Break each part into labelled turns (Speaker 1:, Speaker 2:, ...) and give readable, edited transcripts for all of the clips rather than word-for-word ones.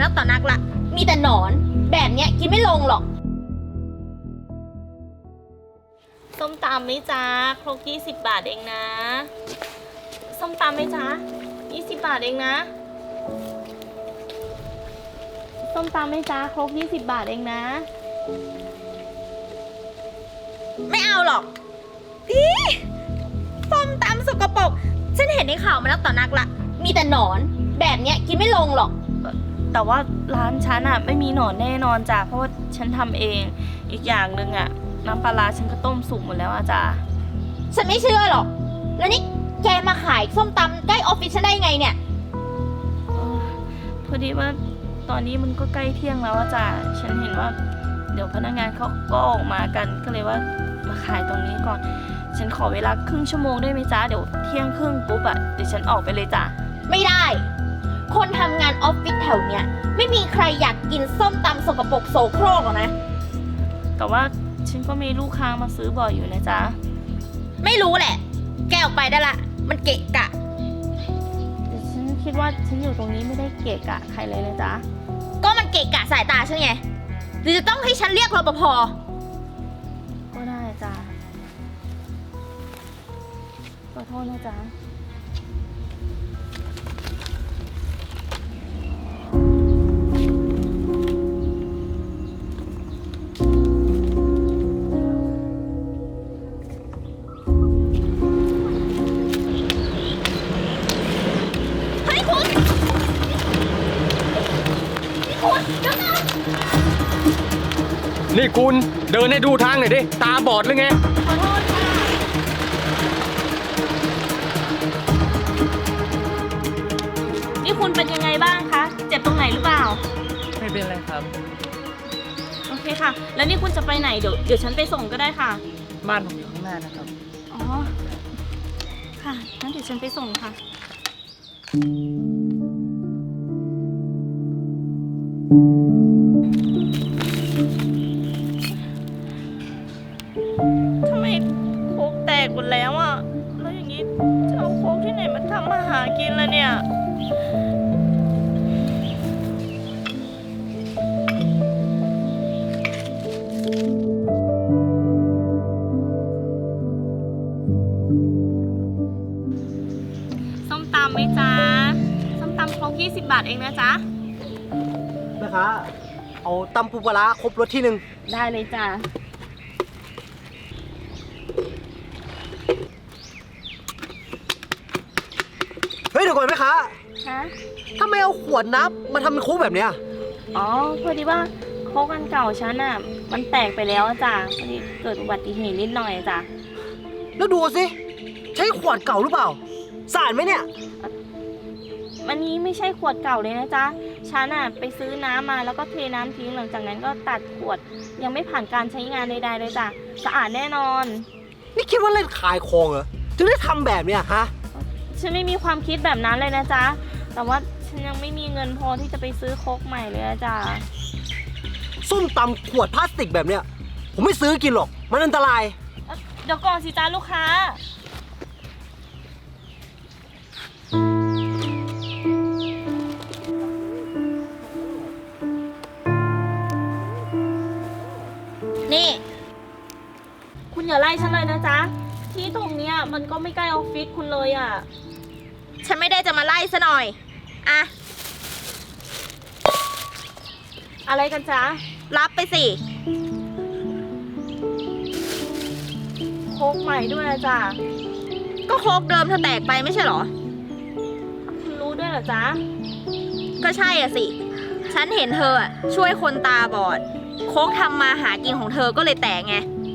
Speaker 1: กต่อนักละมีแต่หนอนแบบเนี้ยกินไม่ลงหรอกส้มตำไหมจ๊ะครก20 บาทเองนะส้มตำไหมจ๊ะ20 บาทเองนะส้มตำไหมจ๊ะครก20 บาทเองนะไม่เอาหรอกอีส้มตำสกปรกฉันเห็นในข่าวมาแล้วต่อนักละมีแต่หนอนแบบเนี้ยกินไม่ลงหรอกแต่ว่าร้านฉันอะไม่มีหนอนแน่นอนจ้ะเพราะว่าฉันทำเองอีกอย่างหนึ่งอะน้ำปลาร้าฉันก็ต้มสุกหมดแล้วอะจ้ะฉันไม่เชื่อหรอกแล้วนี่แกมาขายส้มตำใกล้ออฟฟิศฉันได้ไงเนี่ยพอดีว่าตอนนี้มันก็ใกล้เที่ยงแล้วอะจ้ะฉันเห็นว่าเดี๋ยวพนักงานเขาก็ออกมากันก็เลยว่ามาขายตรงนี้ก่อนฉันขอเวลาครึ่งชั่วโมงได้ไหมจ๊ะเดี๋ยวเที่ยงครึ่งปุ๊บอะเดี๋ยวฉันออกไปเลยจ้ะไม่ได้คนทำงานออฟฟิศแถวเนี้ยไม่มีใครอยากกินส้มตำสกปรกโสโครกหรอกนะแต่ว่าฉันก็มีลูกค้ามาซื้อบ่อยอยู่นะจ๊ะไม่รู้แหละแกออกไปได้ละมันเกะกะแต่ฉันคิดว่าฉันอยู่ตรงนี้ไม่ได้เกะกะใครเลยนะจ๊ะก็มันเกะกะสายตาฉันไงหรือจะต้องให้ฉันเรียกรปภก็ได้จ้ะขอโทษนะจ๊ะ
Speaker 2: นี่คุณเดินให้ดูทางหน่อยดิตาบอดหรือไง
Speaker 1: ขอโทษค่ะนี่คุณเป็นยังไงบ้างคะเจ็บตรงไหนหรือเปล่า
Speaker 2: ไม่เป็นไรครับ
Speaker 1: โอเคค่ะแล้วนี่คุณจะไปไหนเดี๋ยวฉันไปส่งก็ได้ค่ะ
Speaker 2: บ้านผมอยู่ข้างหน้านะครับ
Speaker 1: อ๋อค่ะงั้นเดี๋ยวฉันไปส่งค่ะทำไมโค้กแตกหมดแล้วอ่ะแล้วอย่างนี้จะเอาโค้กที่ไหนมาทำอาหารกินล่ะเนี่ยส้มตำไหมจ๊ะส้มตำครก20 บาทเองนะจ๊ะ
Speaker 3: นะคะเอาตำปูปลาร้าครบรสที่หนึ่ง
Speaker 1: ได้เลยจ้ะ
Speaker 3: เฮ้ยเดี๋ยวก่อนไหมคะ
Speaker 1: ฮะ
Speaker 3: ทำไมเอาขวดน้ำมาทำเป็นโค้กแบบเนี้ย
Speaker 1: อ๋อพอดีว่าโค้กอันเก่าฉันอ่ะมันแตกไปแล้วจ้ะพอดีเกิดอุบัติเหตุนิดหน่อยจ้ะ
Speaker 3: แล้วดูสิใช้ขวดเก่าหรือเปล่าสารไหมเนี่ย
Speaker 1: อันนี้ไม่ใช่ขวดเก่าเลยนะจ๊ะฉันอ่ะไปซื้อน้ำมาแล้วก็เทน้ำทิ้งหลังจากนั้นก็ตัดขวดยังไม่ผ่านการใช้งานใดๆเลยจ้ะสะอาดแน่นอน
Speaker 3: นี่คิดว่าเล่นขายของเหรอถึงได้ทำแบบเนี้ยฮะ
Speaker 1: ฉันไม่มีความคิดแบบนั้นเลยนะจ๊ะแต่ว่าฉันยังไม่มีเงินพอที่จะไปซื้อโค้กใหม่เลยจ้ะ
Speaker 3: ส้มตำขวดพลาสติกแบบเนี้ยผมไม่ซื้อกินหรอกมันอันตราย
Speaker 1: เดี๋ยวก่อนสิจ้าลูกค้านี่คุณอย่าไล่ฉันเลยนะจ๊ะที่ตรงเนี้ยมันก็ไม่ใกล้ออฟฟิศคุณเลยอ่ะฉันไม่ได้จะมาไล่ซะหน่อยอะอะไรกันจ๊ะรับไปสิโค้กใหม่ด้วยนะจ๊ะก็โค้กเดิมเธอแตกไปไม่ใช่เหรอคุณรู้ด้วยเหรอจ๊ะก็ใช่อ่ะสิฉันเห็นเธอช่วยคนตาบอดโค้กทำมาหากินของเธอก็เลยแตกไง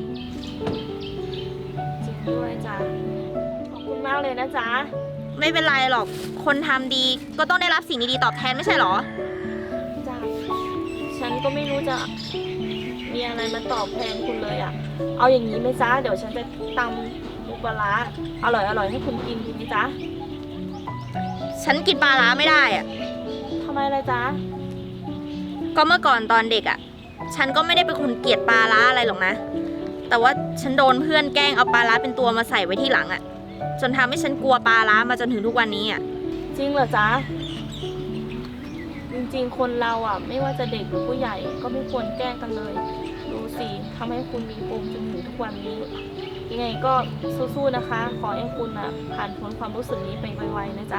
Speaker 1: จริงด้วยจ้ะขอบคุณมากเลยนะจ๊ะไม่เป็นไรหรอกคนทำดีก็ต้องได้รับสิ่งดีๆตอบแทนไม่ใช่เหรอจ้ะฉันก็ไม่รู้จะมีอะไรมาตอบแทนคุณเลยอ่ะเอาอย่างนี้ไหมจ๊ะเดี๋ยวฉันจะตำปูปลาร้าอร่อยๆให้คุณกินดีไหมจ๊ะฉันกินปลาร้าไม่ได้อ่ะทำไมล่ะจ๊ะก็เมื่อก่อนตอนเด็กอ่ะฉันก็ไม่ได้เป็นคนเกลียดปลาร้าอะไรหรอกนะแต่ว่าฉันโดนเพื่อนแกล้งเอาปลาร้าเป็นตัวมาใส่ไว้ที่หลังอ่ะจนทำให้ฉันกลัวปลาร้ามาจนถึงทุกวันนี้อ่ะจริงเหรอจ๊ะจริงๆ คนเราอ่ะไม่ว่าจะเด็กหรือผู้ใหญ่ก็ไม่ควรแกล้งกันเลย ดูสิทำให้คุณมีปมจนถึงทุกวันนี้ ยังไงก็สู้ๆนะคะ ขอให้คุณอ่ะผ่านพ้นความรู้สึกนี้ไปไวๆนะจ๊ะ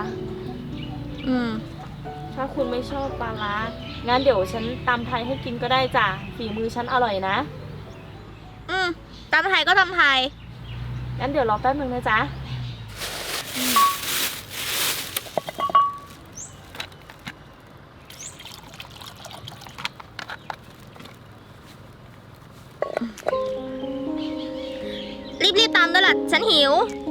Speaker 1: ถ้าคุณไม่ชอบปลาร้างั้นเดี๋ยวฉันตำไทยให้กินก็ได้จ้ะฝีมือฉันอร่อยนะ
Speaker 4: ตำไทยก็ตำไทย
Speaker 1: งั้นเดี๋ยวรอแป๊บนึงนะจ๊ะ
Speaker 4: รีบๆตำด้วยล่ะ ฉันหิว